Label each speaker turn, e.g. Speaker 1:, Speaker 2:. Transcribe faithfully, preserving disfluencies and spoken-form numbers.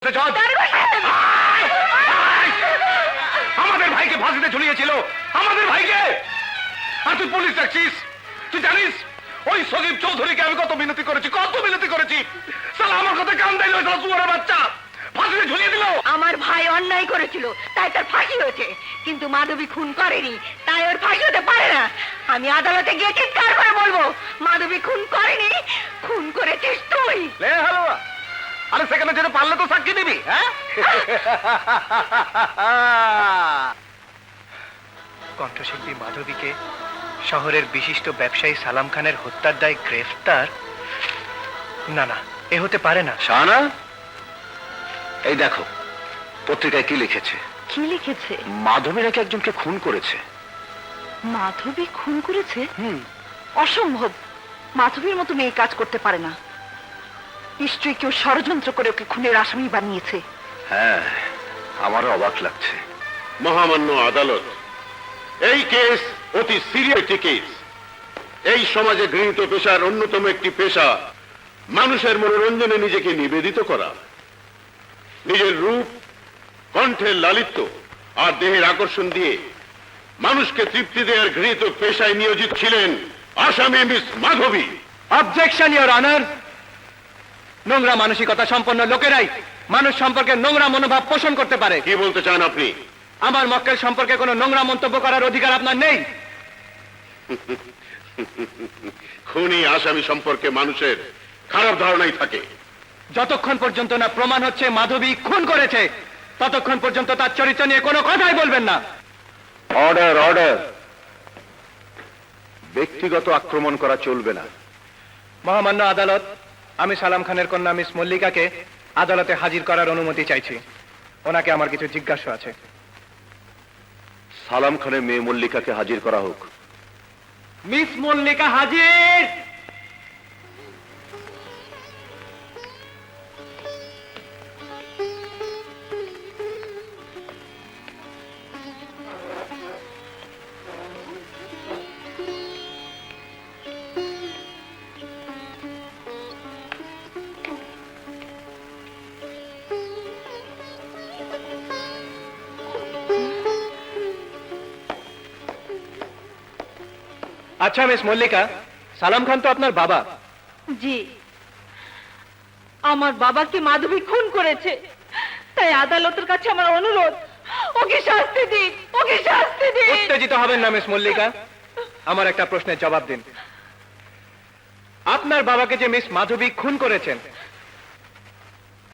Speaker 1: আমাদের ভাইকে ফাঁসিতে ঝুলিয়েছিল, আমাদের ভাইকে। আর তুই পুলিশ ডাকছিস? তুই জানিস ওই সজীব চৌধুরীকে আমি কত মিনতি করেছি, কত মিনতি করেছি। সালা আমার কথা কান দিল, সুয়ারের বাচ্চা ফাঁসিতে ঝুলিয়ে দিল।
Speaker 2: আমার ভাই অন্যায় করেছিল তাই তার ফাঁসি হয়েছে, কিন্তু মাধবী খুন করেনি তাই ওর ফাঁসি হতে পারে না। আমি আদালতে গিয়ে চিৎকার করে বলবো, মাধবী খুন করেনি, খুন করেছিস তুই।
Speaker 1: লে হালুয়া, আরে সেখানে যেতে পারলে তো সাক্ষী দিবি। হ্যাঁ,
Speaker 3: কণ্ঠশিল্পী মাধবীকে শহরের বিশিষ্ট ব্যবসায়ী সালাম খানের হত্যার দায়ে গ্রেফতার? না না, এ হতে পারে না।
Speaker 1: শাহানা, এই দেখো পত্রিকায় কি লিখেছে।
Speaker 2: কি লিখেছে?
Speaker 1: মাধবী নাকি একজনকে খুন করেছে।
Speaker 2: মাধবী খুন করেছে?
Speaker 1: হুম,
Speaker 2: অসম্ভব। মাধবীর মতো মেয়ে কাজ করতে পারে না। নিশ্চয়ই কেউ ষড়যন্ত্র করে ওকে খুনের আসামি বানিয়েছে।
Speaker 1: হ্যাঁ, আমারও অবাক লাগছে।
Speaker 4: মহামান্য আদালত, এই কেস অতি সিরিয়াস একটি কেস। এই সমাজে গৃহীত পেশার অন্যতম একটি পেশা মানুষের মনোরঞ্জনে নিজেকে নিবেদিত করা। নিজের রূপ, কণ্ঠের লালিত্য আর দেহের আকর্ষণ দিয়ে মানুষকে তৃপ্তি দেওয়ার গৃহীত পেশায় নিয়োজিত ছিলেন আসামি miss Madhavi.
Speaker 3: Objection your honour. নোংরা মানসিকতা সম্পন্ন লোকেরাই মানুষ সম্পর্কে নোংরা মনোভাব পোষণ করতে পারে।
Speaker 4: কি বলতে চান আপনি?
Speaker 3: আমার মক্কেল সম্পর্কে কোনো নোংরা মন্তব্য করার অধিকার আপনার নেই।
Speaker 4: খুনি আসামি সম্পর্কে মানুষের খারাপ ধারণাই থাকে।
Speaker 3: যতক্ষণ পর্যন্ত না প্রমাণ হচ্ছে মাধবী খুন করেছে, ততক্ষণ পর্যন্ত তার চরিত্র নিয়ে কোনো কথাই বলবেন না।
Speaker 1: Order, order. ব্যক্তিগত আক্রমণ করা চলবে না।
Speaker 3: মহামান্য আদালত, আমি সালাম খানের কন্যা মিস মল্লিকাকে আদালতে হাজির করার অনুমতি চাইছি। ওনাকে আমার কিছু জিজ্ঞাসা আছে।
Speaker 1: সালাম খানের মেয়ে মল্লিকাকে হাজির করা হোক।
Speaker 3: মিস মল্লিকা হাজির। আচ্ছা মিস মল্লিকা, সালাম খান তো আপনার বাবা।
Speaker 2: জি, আমার বাবাকে মাধবী খুন করেছে, তাই আদালতের কাছে আমার অনুরোধ, ওকে শাস্তি দিন, ওকে শাস্তি দিন।
Speaker 3: উত্তেজিত হবেন না মিস মল্লিকা, আমার একটা প্রশ্নের জবাব দিন। আপনার বাবাকে যে মিস মাধবী খুন করেছেন